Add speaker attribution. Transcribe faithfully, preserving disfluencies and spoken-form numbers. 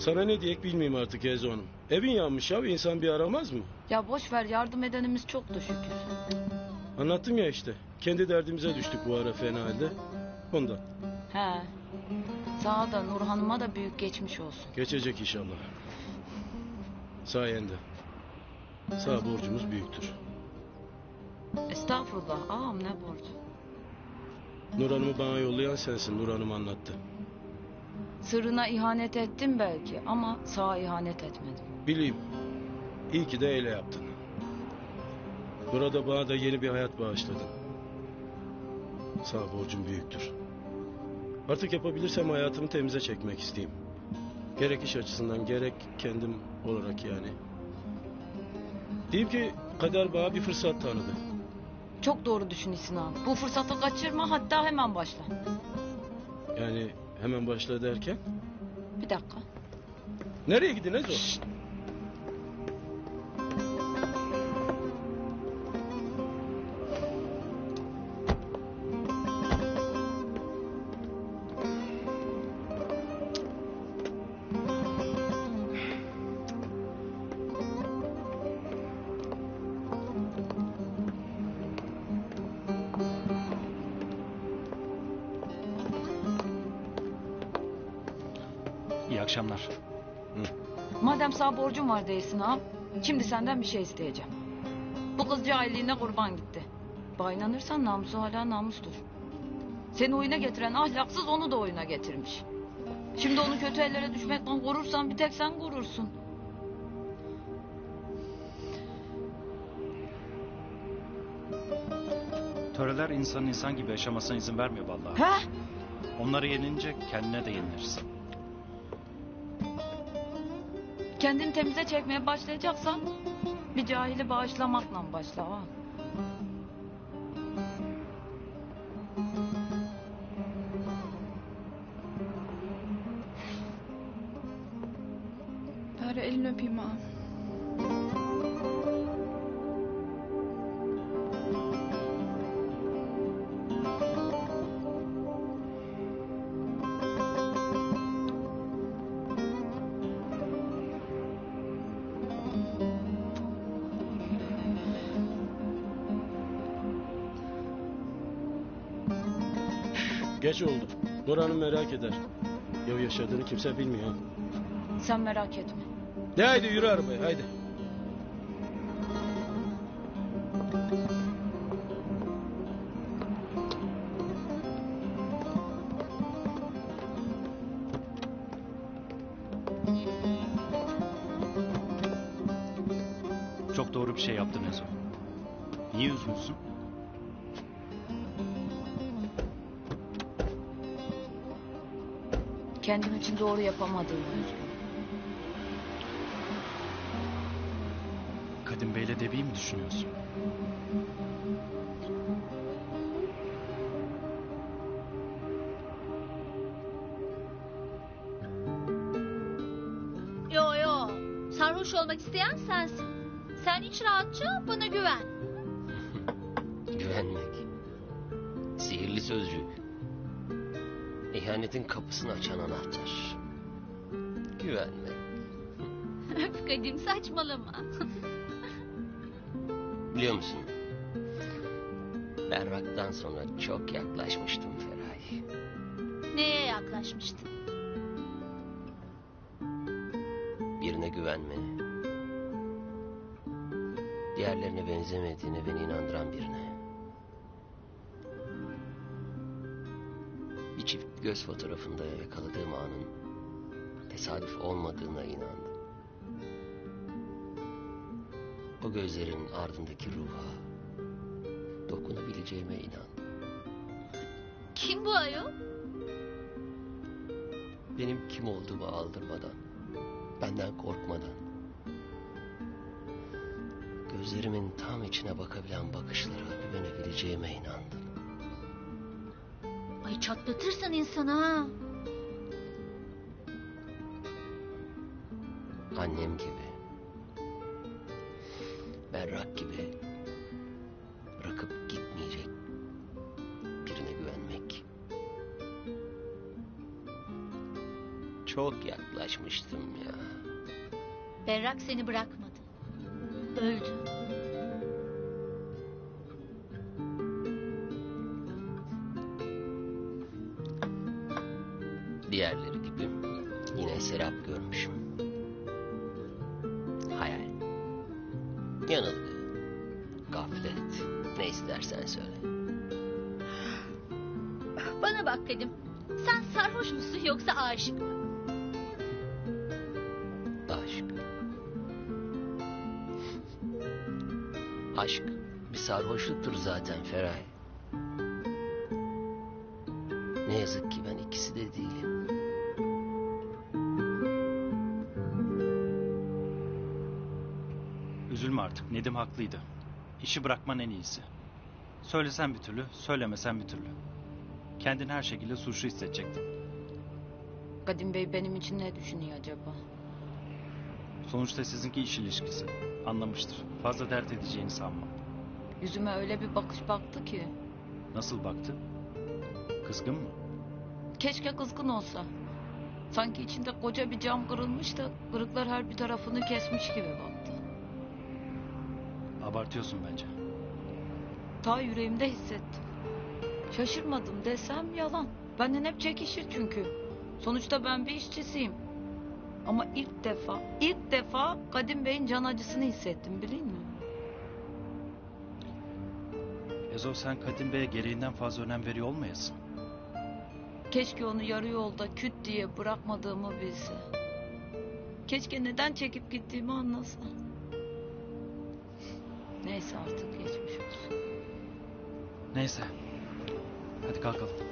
Speaker 1: Sana ne diyek bilmeyeyim artık Ezo Hanım. Evin yanmış ya, insan bir aramaz mı?
Speaker 2: Ya boş ver, yardım edenimiz çok da şükür.
Speaker 1: Anlattım ya işte. Kendi derdimize düştük bu ara fena halde. Ondan.
Speaker 2: He. Sana da Nur Hanım'a da büyük geçmiş olsun.
Speaker 1: Geçecek inşallah. Sayende. Sağ borcumuz büyüktür.
Speaker 2: Estağfurullah ağam, ne borcu.
Speaker 1: Nur Hanım'ı bana yollayan sensin. Nur Hanım anlattı.
Speaker 2: Sırrına ihanet ettim belki ama sağa ihanet etmedim.
Speaker 1: Bileyim. İyi ki de öyle yaptın. Burada bana da yeni bir hayat bağışladın. Sağ borcum büyüktür. Artık yapabilirsem hayatımı temize çekmek isteyeyim. Gerek iş açısından gerek kendim olarak yani. Diyeyim ki kader bana bir fırsat tanıdı.
Speaker 2: Çok doğru düşünüyorsun ağam. Bu fırsatı kaçırma, hatta hemen başla.
Speaker 1: Yani hemen başla derken?
Speaker 2: Bir dakika.
Speaker 1: Nereye gidin Ezo? Şşt.
Speaker 3: İyi akşamlar.
Speaker 1: Hı.
Speaker 2: Madem sağ borcum var değilsin ağam, şimdi senden bir şey isteyeceğim. Bu kız cahilliğine kurban gitti. Bana inanırsan namusu hala namustur. Seni oyuna getiren ahlaksız onu da oyuna getirmiş. Şimdi onu kötü ellere düşmekten korursan bir tek sen korursun.
Speaker 3: Töreler insanın insan gibi yaşamasına izin vermiyor vallahi.
Speaker 2: He?
Speaker 3: Onları yenince kendine de yenilirsin.
Speaker 2: Kendini temize çekmeye başlayacaksan bir cahili bağışlamakla başla ağam.
Speaker 4: Bari elini öpeyim ağam.
Speaker 1: Geç oldu. Nur Hanım merak eder. Ya yaşadığını kimse bilmiyor.
Speaker 2: Sen merak etme.
Speaker 1: De haydi yürü arabaya haydi.
Speaker 3: Çok doğru bir şey yaptın Ezo. Niye üzgünsün?
Speaker 2: Kendim için doğru yapamadığımı üzgünüm.
Speaker 3: Kadim Bey'le Debi'yi mi düşünüyorsun?
Speaker 5: Yo yo, sarhoş olmak isteyen sensin. Sen hiç rahatça bana güven.
Speaker 6: Güvenmek. Sihirli sözcük. İhanetin kapısını açan anahtar. Güvenmek.
Speaker 5: Öf Kadim, saçmalama.
Speaker 6: Biliyor musun? Berrak'tan sonra çok yaklaşmıştım Feraye.
Speaker 5: Neye yaklaşmıştın?
Speaker 6: Birine güvenmeye. Diğerlerine benzemediğine beni inandıran birine. Bir çift göz fotoğrafında yakaladığım anın tesadüf olmadığına inandım. O gözlerin ardındaki ruha dokunabileceğime inandım.
Speaker 5: Kim bu ayol?
Speaker 6: Benim kim olduğumu aldırmadan, benden korkmadan, gözlerimin tam içine bakabilen bakışlara güvenebileceğime inandım.
Speaker 5: Ay çatlatırsın insanı ha.
Speaker 6: Annem gibi, Berrak gibi bırakıp gitmeyecek birine güvenmek Çok yaklaşmıştım ya.
Speaker 5: Berrak seni bırakmadı. Öldü.
Speaker 6: Diğerleri gibi yine serap görmüşüm. Hayal. Yanılgı. Gaflet. Ne istersen söyle.
Speaker 5: Bana bak Kadim. Sen sarhoş musun yoksa aşık mı?
Speaker 6: Aşk. Aşk bir sarhoşluktur zaten Feray. Ne yazık ki ben ikisi de değilim.
Speaker 3: Üzülme artık. Nedim haklıydı. İşi bırakman en iyisi. Söylesen bir türlü, söylemesen bir türlü. Kendini her şekilde suçlu hissedecektin.
Speaker 2: Kadim Bey benim için ne düşünüyor acaba?
Speaker 3: Sonuçta sizinki iş ilişkisi. Anlamıştır. Fazla dert edeceğini sanmam.
Speaker 2: Yüzüme öyle bir bakış baktı ki.
Speaker 3: Nasıl baktı? Kızgın mı?
Speaker 2: Keşke kızgın olsa. Sanki içinde koca bir cam kırılmış da kırıklar her bir tarafını kesmiş gibi baktı.
Speaker 3: Abartıyorsun bence.
Speaker 2: Ta yüreğimde hissettim. Şaşırmadım desem yalan. Benden hep çekişir çünkü. Sonuçta ben bir işçisiyim. Ama ilk defa, ilk defa Kadim Bey'in can acısını hissettim bilin mi?
Speaker 3: Ezo sen Kadim Bey'e gereğinden fazla önem veriyor olmayasın.
Speaker 2: Keşke onu yarı yolda küt diye bırakmadığımı bilse. Keşke neden çekip gittiğimi anlasa. Neyse artık geçmiş olsun.
Speaker 3: Neyse. Hadi kalkalım.